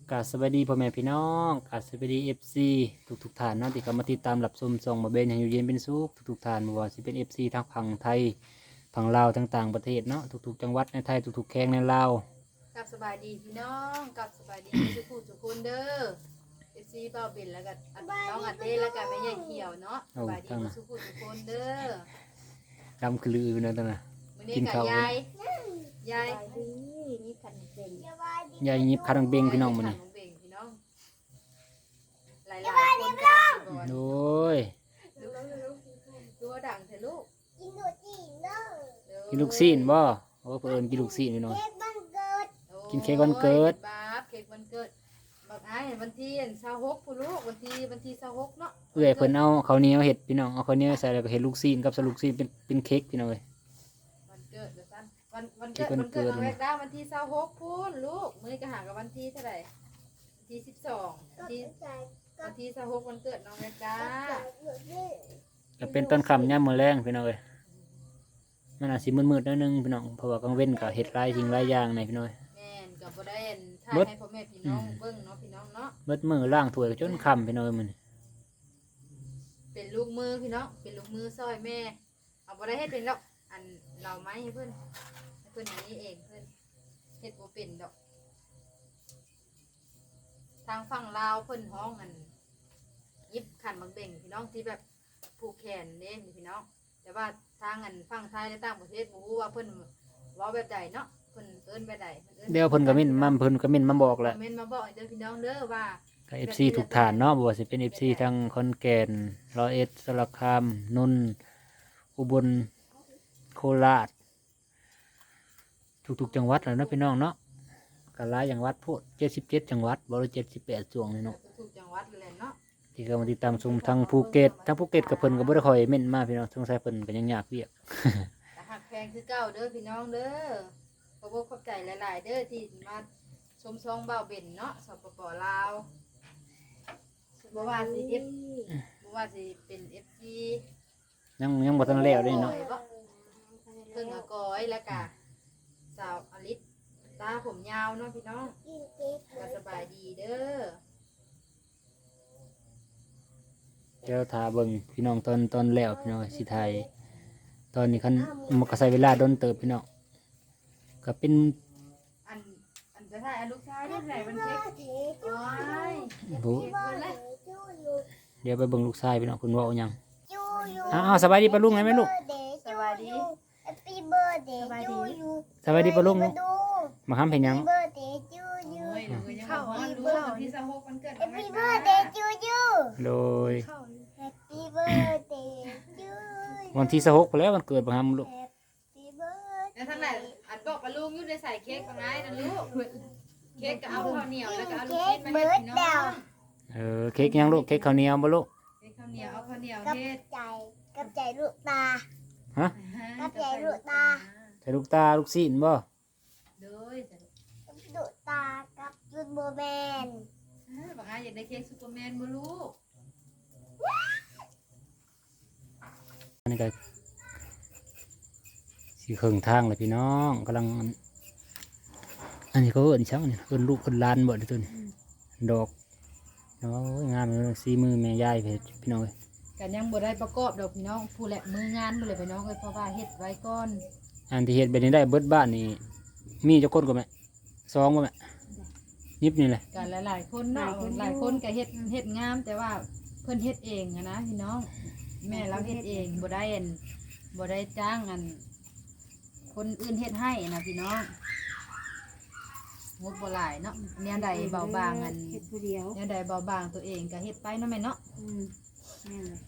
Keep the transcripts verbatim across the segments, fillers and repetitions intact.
กราบสวัสดีพ่อแม่พี่น้องกราบสวัสดีเอฟซีทุกทุกท่านเนาะที่เข้ามาติดตามรับชมส่องมาเบนให้อยู่เย็นเป็นสุขทุกทุกท่านไม่ว่าจะเป็นเอฟซีทางฝั่งไทยฝั่งลาวต่างๆประเทศเนาะทุกๆจังหวัดในไทยทุกๆแข้งในลาวกับสบายดีพี่น้องกับสบายดีทุกผู้ทุกคนเด้อเอฟซีเบาเบนแล้วก็น้องอัดเต้แล้วก็แม่ใหญ่เขียวเนาะสบายดีทุกผู้ทุกคนเด้อดำคือลือนั่นน่ะกินข้าวยายยายนี่ขันเป็นยายยิบคารังเบงพี่น้องมันนี่หลายๆคนกันโอ้ยดูว่าดังเถอะลูกกินดูจีนเด้อกินลูกซีนบ่โอ้เพิ่นกินลูกซีนพี่น้องเค้กวันเกิดกินเค้กวันเกิดบ้าเค้กวันเกิดบอกไอ้วันที่เสาร์หกผู้ลูกวันที่วันที่เสาร์หกเนาะเอื้อยเพิ่นเอาข้าวเหนียวเห็ดพี่น้องเอาข้าวเหนียวใส่แล้วก็เห็ดลูกซีนกับสลูกซีนเป็นเป็นเค้กพี่น้องเอ้ยวันเกิดเดี๋ยวสั้นวันวันเกิดวันเกิดน้องแรกได้วันที่เสาร์หกพูนลูกมื้อนี้ก็ห่างกับวันที่เท่าไหร่วันที่สิบสองวันที่วันที่เสาร์หกวันเกิดน้องแรกได้ก็เป็นต้นคำย่ำมือแรงพี่น้องเอ้ยมันอาจสิมืดๆนิดนึงพี่น้องเพราะว่ากลางเว้นก็เห็ดหลายสิ่งหลายอย่างในพี่น้องแม่นกับบ่ได้เห็นถ่ายให้พ่อแม่พี่น้องเบิ่งเนาะพี่น้องเนาะเบิดมือล่างถ้วยจนคำพี่น้องมันเป็นลูกมือพี่น้องเป็นลูกมือซอยแม่เอาบ่ได้เฮ็ดเป็นดอกอันเราไม้ให้เพิ่นให้เพิ่นอย่างนี้เองเพิ่นเฮ็ดบ่เป็นดอกทางฝั่งลาวเพิ่นห้องอันยิบขันบังเบ่งพี่น้องที่แบบผูกแขนเด้พี่น้องแต่ว่าทางอันฝั่งไทยและต่างประเทศบ่ฮู้ว่าเพิ่นเว้าแบบใดเนาะเพิ่นเอิ้นแบบใดเดี๋ยวเพิ่นก็มินมาเพิ่นก็มินมาบอกแหละคอมเมนต์มาบอกเด้อพี่น้องเด้อว่าก็ เอฟ ซี ทุกฐานเนาะบ่ว่าสิเป็น เอฟ ซี ทั้งขอนแก่นร้อยเอ็ดสระคามนนท์อุบลโคราชทุกๆจังหวัดแล้วเนาะพี่น้องเนาะก็หลายจังหวัดพูดเจ็ดสิบเจ็ดจังหวัดบ่รู้เจ็ดสิบแปดจังหวัดนี่เนาะทุกจังหวัดเลยเนาะที่ก็มาติดตามชมทางภูเก็ตทางภูเก็ตกับเพิ่นก็บ่ได้ค่อยเม่นมาพี่น้องสงสัยเพิ่นก็ยังยากเวียกแต่หักแพงคือเก่าเด้อพี่น้องเด้อขอบคุณขอบใจหลายๆเด้อที่มาชมซองเบาเบ่นเนาะสปปลาวบ่ว่าสิเอฟบ่ว่าสิเป็นเอฟซียังยังบ่ทันแล้วเด้เนาะเพิ่งอากอยแล้วก็สาวอลิศตาผมยาวเนาะพี่น้องกินเค้กก็สบายดีเด้อเดี๋ยวถ้าเบิ่งพี่น้องตอนตอนแล้วพี่น้องสิถ่ายตอนนี้คันมันก็ใช้เวลาโดนเติบพี่น้องก็เป็นอันอันจะถ่ายอันลูกชายได้ไหนมันเค้กเค้กโอ้ยบุบ้านจูยูเดี๋ยวไปเบิ่งลูกชายพี่น้องคุณว่าเอาหยังจูยูอ้าวสบายดีปะลุงไงแม่ลูกสวัสดีแฮปปี้เบิร์ดเดย์จูยูสบายดีปะลุงมาห้ามเห็นหยังเบิร์ดเดย์จูยูโอ้ยหนูก็ยังบอกว่ารู้วันที่สิบหกวันเกิดแฮปปี้เบิร์ดเดย์จูยูโดยแฮปปี้เบิร์ดเดย์จูยูวันที่สิบหกไปแล้ววันเกิดมาห้ามลูกแฮปปี้เบิร์ดแล้วทั้งไหนอันบอกปลาลุงอยู่ในใส่เค้กปังไงนะลูกเค้กก็เอาข้าวเหนียวแล้วก็เอาลูกชิ้นมาให้พี่น้องเออเค้กยังลูกเค้กข้าวเหนียวบ่ลูกเค้กข้าวเหนียวเอาข้าวเหนียวกับเฮ็ดใจกับใจลูกตาฮะกับใจลูกตาใส่ลูกตาลูกซีนบ่โดยกับลูกตากับจุดโบแมนปังไงอยากได้เค้กซูเปอร์แมนบ่ลูกอันนี้ก็สิเครื่องทางเลยพี่น้องกำลังอันนี้เขาเอิ้นช่างนี่เอิ้นลูกเอิ้นหลานบ่เด้อตัวนี้ดอกโอ้ยงามเลยสีมือแม่ยายเพิ่นพี่น้องเอ้ยกันยังบ่ได้ประกอบดอกพี่น้องผู้แหละมืองานบ่เลยพี่น้องเอ้ยเพราะว่าเฮ็ดไว้ก่อนอันที่เฮ็ดแบบนี้ได้เบิดบ้านนี่มีเจ้าคนก็แม่สองบ่แม่ยิบนี่แหละกันหลายๆคนเนาะหลายคนก็เฮ็ดเฮ็ดงามแต่ว่าเพิ่นเฮ็ดเองอะนะพี่น้องแม่เราเฮ็ดเองบ่ได้อันบ่ได้จ้างอันคนอื่นเฮ็ดให้นะพี่น้องงบบ่หลายเนาะแนวใดเบาบางอันเฮ็ดผู้เดียวแนวใดเบาบางตัวเองก็เฮ็ดไปเนาะแม่เนาะอืมแม่เลย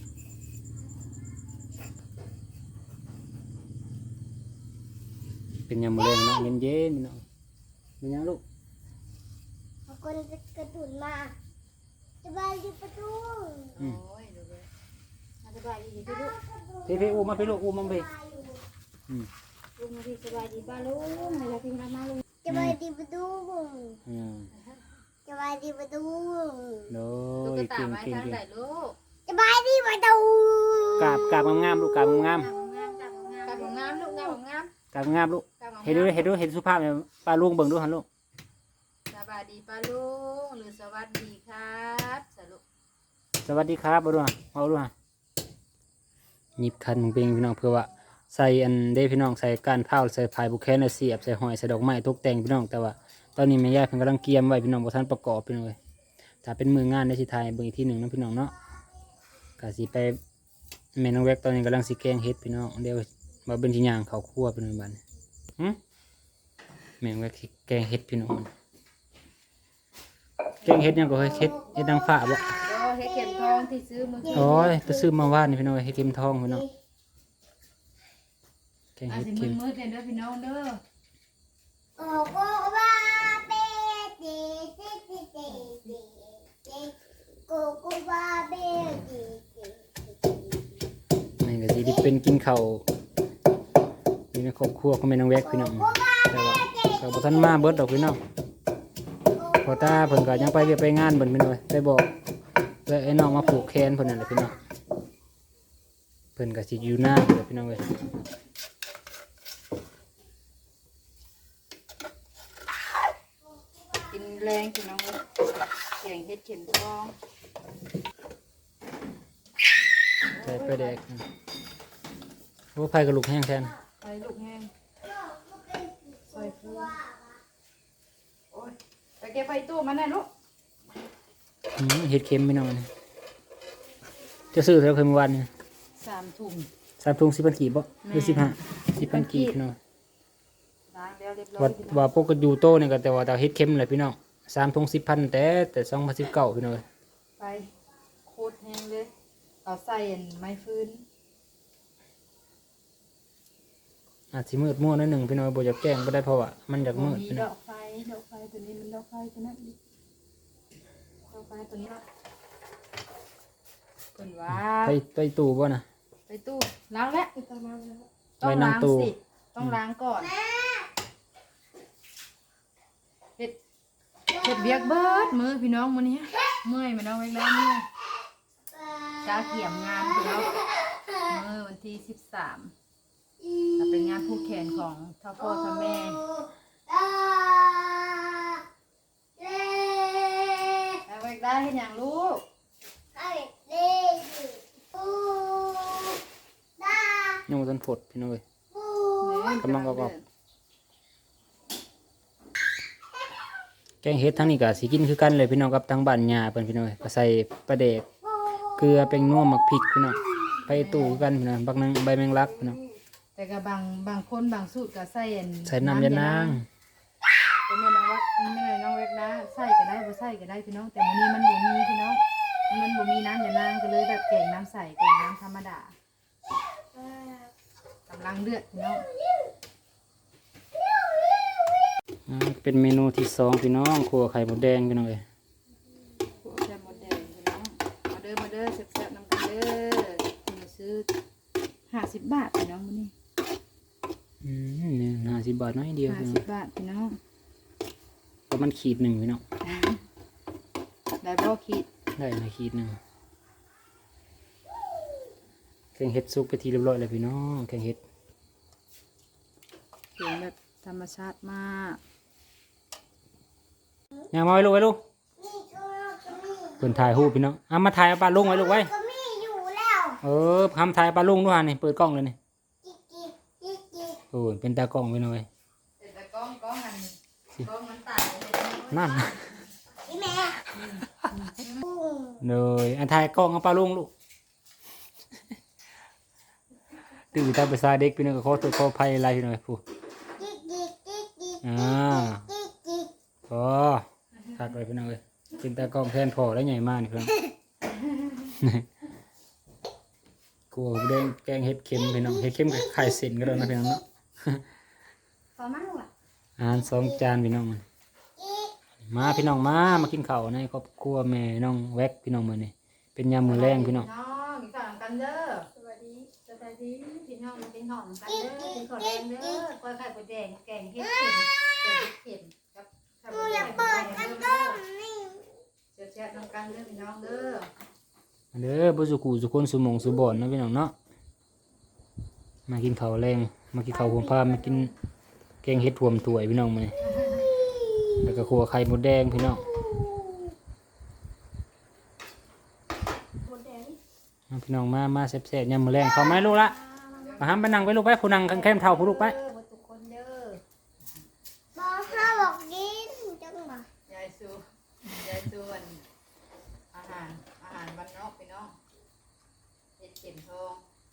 เป็นยามมื้อแลงเนาะเย็นๆพี่น้องเป็นหยังลูกเอาคนกระตุนมาสบายดีประตูอืมโอ้ยดูเลยสบายดีพี่ลูกพี่พี่อู้มาพี่ลูกอู้มาพี่อืมลุงมาพี่สบายดีป้าลุงเวลาพี่มามาลุงสบายดีประตูอืมสบายดีประตูโดตุ๊ยกตาเก่งไม้เก่งทางเก่งไหนลูกสบายดีประตูกราบกราบงามๆลูกกราบงามงามงามงามงามลูกงามงามๆกราบงามลูกงามเห็นดูเห็นดูเห็นสุภาพเนี่ยป้าลุงเบิ่งดูหันลูกสบบายดีป้าลุงหรือสวัสดีครับสรุปสวัสดีครับบ่ดูฮะเอาดูฮะหยิบคันของเพลงพี่น้องเพื่อว่าใส่อันเด้พี่น้องใส่ก้านข้าวใส่พายบุแคนใส่เสียบใส่หอยใส่ดอกไม้ตกแต่งพี่น้องแต่ว่าตอนนี้แม่ย่าเพิ่นกำลังเกียมไว้พี่น้องบ่ทันประกอบพี่น้องเอ้ยถ้าเป็นมืองานได้สิถ่ายเบิ่งอีกทีหนึงเนาะพี่น้องเนาะก็สิไปแม่น้องแวกตอนนี้กำลังสิแกงเฮ็ดพี่น้องเดี๋ยวมาเป็นสิย่างข้าวคั่วพี่น้องบัดนี้หึแม่น้องแวกสิแกงเฮ็ดพี่น้องแกงเฮ็ดหยังก็เฮ้ยเฮ็ดเฮ็ดนางฟ้าบ่ก็ให้เข็มทองที่ซื้อมือโอ้ยไปซื้อมาว่านนี่พี่น้องเฮ็ดเข็มทองพี่น้องแกงอาเฮ็จดจะเข็มมืดๆเนี่ยเด้อพี่น้องเด้อโอ้โอ้ว่าเบ้เด้เด้เด้เด้เด้เด้โกโกว่าเบ้เด้เด้เด้นี่ก็สิได้เป็นกินข้าวอยู่ในครอบครัวของแม่น้องแวกพี่น้องแต่ว่าก็บ่ทันมาเบิดดอกพี่น้องพอตาเพิ่นก็ยังไปเวียกไปงานเพิ่นพี่น้องได้บอกแล้วไอ้น้องมาผูกแขนเพิ่นนั่นแหละพี่น้องเพิ่นก็สิอยู่หน้าเด้อพี่น้องเอ้ยกินแรงพี่น้องเอ้ยแกงเฮ็ดเข็มทองใส่ไปแดกโอ้ไผกระลูกแห้งแทนไปลูกแห้งซอยฟูโอ้ยไปเก็บไปตู้มาแน่ลูกอืมเฮ็ดเค็มพี่น้องอันนี้จะซื้อเท่าเคยเมื่อวานนี่สามถุงสามถุงสิบพันกีบบ่หรือแม่สิบห้าสิบพันกีบพี่น้องล้างแล้วเรียบร้อยว่าพี่น้องว่าปกติอยู่โตเนี่ยก็แต่ว่าแต่เฮ็ดเค็มเลยพี่น้องสามทงสิบพันแต่แต่สองพันสิบเก้าพี่น้องเอ้ยไปโคตรแห้งเลยเอาใส่อันไม้ฟื้นอาจสิมืดมั่วหนิดหนึ่งพี่น้องบ่อยากแกล้งบ่ได้เพราะว่ามันอยากบ่มืดมีพี่ดน้ออง กไฟดอกไฟตัวนี้มันดอกไฟตัวนั้นดิดอกไฟตัวนี้ละเพิ่นว่าไปไปตู้บ่น่ะไปตู้ล้างแล้วประมาณนั้นต้องไว้นั่ล้าง งตู้สิต้องล้างก่อนเฮ็ดเฮ็ดเวียกเบิดมือพี่น้องมื้อนี้เมื่อยมาน้องไว้แล้วเมื่อยจ้าเกี่ยมงานพี่น้องมื้อวันที่สิบสามจะเป็นงานผูกแขนของเท่าพ่อเท่าแม่อ่าเล่เอาไว้ได้เฮ็ดหยังลูกไอ้เล่ปูดายังบ่ทันผดพี่น้องเอ้ยปูกำลังประกอบ แกงเฮ็ดทั้งนี้ก็สิกินคือกันเลยพี่น้องกับทางบ้านย่าเพิ่นพี่น้องเอ้ยก็ใส่ปลาแดกเกลือแป้งนัวหมักพริกพี่น้องไปตู้คือกันพี่น้องบักนังใบแมงลักพี่น้องแต่ก็บางบางคนบางสูตรก็ใส่อันใส่น้ำยานางเป็นแม่น้องวัดแม่น้องเวกนะใส่ก็ได้บ่ใส่ก็ได้พี่น้องแต่มื้อนี้มันบ่มีพี่น้องมันบ่มีน้ำยานางก็เลยแบบแกงน้ำใสแกงน้ำธรรมดากำลังเดือดพี่น้องอ่าเป็นเมนูที่สองพี่น้องครัวไข่มดแดงพี่น้องเอ้ยพวกแซ่บหมดแดงพี่น้องมาเด้อมาเด้อแซ่บๆนำกันเด้อคุณมาซื้อห้าสิบบาทพี่น้องมื้อนี้อืมนี่ห้าสิบบาทน้อยเดียวห้าพี่น้อสิงบบาทพี่น้องประมาณขีดหนึ่งพี่น้องได้บ่คิดได้มาขีดหนึ่งแกงเห็ดซุกไปทีเรียบร้อยเลยพี่น้องแกงเห็ดเสียงแบบธรรมชาติมากย่างมาไว้ลูกไว้ลูกนี่ก็ก็มีเพิ่นถ่ายรูปพี่น้องเอามาถ่ายเอาปลาลุงไว้ลูกไว้ก็มีอยู่แล้วเออทำถ่ายปลาลุงด้วยฮะนี่เปิดกล้องเลยนี่จิกจิกจิกจิกโอ้ยเป็นตากล้องพี่น้องเอ้ยแต่กล้องกล้องอันกล้องมันตายเลยนั่นพี่แม่ปูเลยอันถ่ายกล้องเอาปลาลุงลูกตื่นตามภาษาเด็กพี่น้องก็ขอตัวขออภัยอะไรพี่น้องผู้จิกจิกจิกจิกอ่าจิกจิกพอขาดไปพี่น้องเอ้ยเป็นตากล้องแทนพอแล้วใหญ่มากนี่พี่น้อง กลัวแดงแกงเห็ดเค็มพี่น้องเห็ดเค็มกับไข่เส้นก็ได้นะพี่น้องเนาะพอมั้งล่ะอาหารสองจานพี่น้องมันจิกมาพี่น้องมามากินข้าวในครอบครัวแม่น้องแวกพี่น้องมื้อนี้เป็นยามมื้อแรงพี่น้องน้องกินข้าวกันเด้อสวัสดีสวัสดีพี่น้องมากินข้าวกันเด้อกินข้าวแดงเด้อกล้วยไข่มดแดงแกงเห็ดเข็มแกงเห็ดเข็มกับข้าวปูมดอแดยาง กเปิดกันต้มนี่แซ่บๆน้ำกันเด้อพี่น้องเด้อเด้อบ่สุกูสุคนสุหมงสุบ่อนเนาะพี่น้องเนาะมากินข้าวแรงมากินข้าวผมพามากินแกงเห็ดรวมถ้วยพี่น้องมื้อนี้แล้วก็ขัวไข่มดแดงพี่น้องหมดแดงเอาพี่น้องมามาแซ่บๆยามมื้อแรงเข้าไหมลูกละมาห้ามไปนั่งไปลูกไปผู้นั่งแคมเท่าผู้ลูกไปเด้อบ่ทุกคนเด้อบอกห้าบอกกินจังบ่ยายซูยายซูอันอาหารอาหารบ้านนอกพี่น้องเฮ็ดเข็มทอง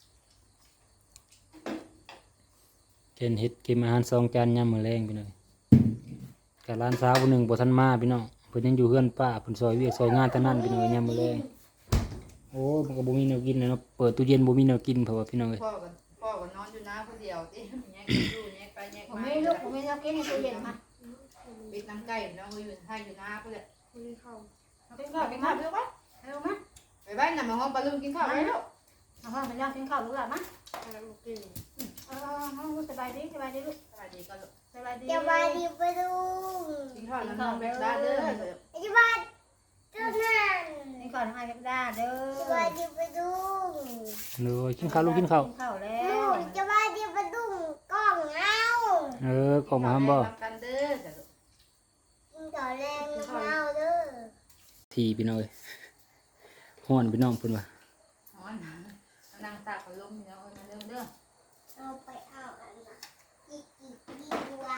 เกณฑ์เฮ็ดกินอาหารสองจานยามมื้อแรงพี่น้องกับร้านสาวผู้หนึงบ่ทันมาพี่น้องเพิ่นยังอยู่เฮือนป้าเพิ่นซอยเวียกซอยงานเท่านั้นพี่น้องยามมื้อแรงโอ้มันก็บ่มีแนวกินเลยเนาะเปิดตู้เย็นบ่มีแนวกินเพราะว่าพี่น้องเอ้ยพ่อก็พ่อก็นอนอยู่น้าคนเดียวที่แยกกันอยู่แยกไปแยกผมมาไม่ลูกผมไม่เอากินในตู้เย็นมาปิดน้ำไก่น้องก็อยู่ให้อยู่น้าเพื่อนคุยเข้าเอากินข้าวกินข้าวเร็วปะเอามาไปบ้านนำมาห้องปลาลุงกินข้าวไปแล้วเอาข้าวมันย่างกินข้าวลูกหลานมาเอากินเออสบายดีสบายดีลูกสวัสดีก็ลูกสบายดีสบายดีไปดูกินข้าวน้ำน้องแบบได้เด้อสบายจุดนั้นนี่ก่อนให้กับดาเด้อสบายดีไปดูเลยกินข้าวลูกกินข้าวกินข้าวแล้วลูกสบายดีไปดูกล้องเอาเออขอมาห้ามบ่กันเด้อกินข้าวแรงเอาเด้อทีพี่น้องเอ้ยฮ้อนพี่น้องเพิ่นว่าอ๋อนั่งตากลมเนาะมาเด้อเด้อเอาไปเอาอันน่ะอีกอีกดีกว่า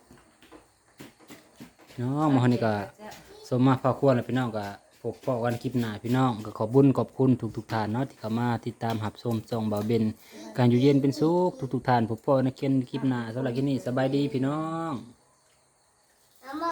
พี่น้องมาฮ้อนนี่ก็สมมาพาควรแล้วพี่น้องก็พบปะกันคลิปหน้าพี่น้องก็ขอบุญขอบคุณทุกๆท่านเนาะที่เข้ามาติดตามรับชมช่องบ่าวเบนการอยู่เย็นเป็นสุขทุกๆท่านพบปะในคลิปหน้าสำหรับคลิปนี้สบายดีพี่น้อง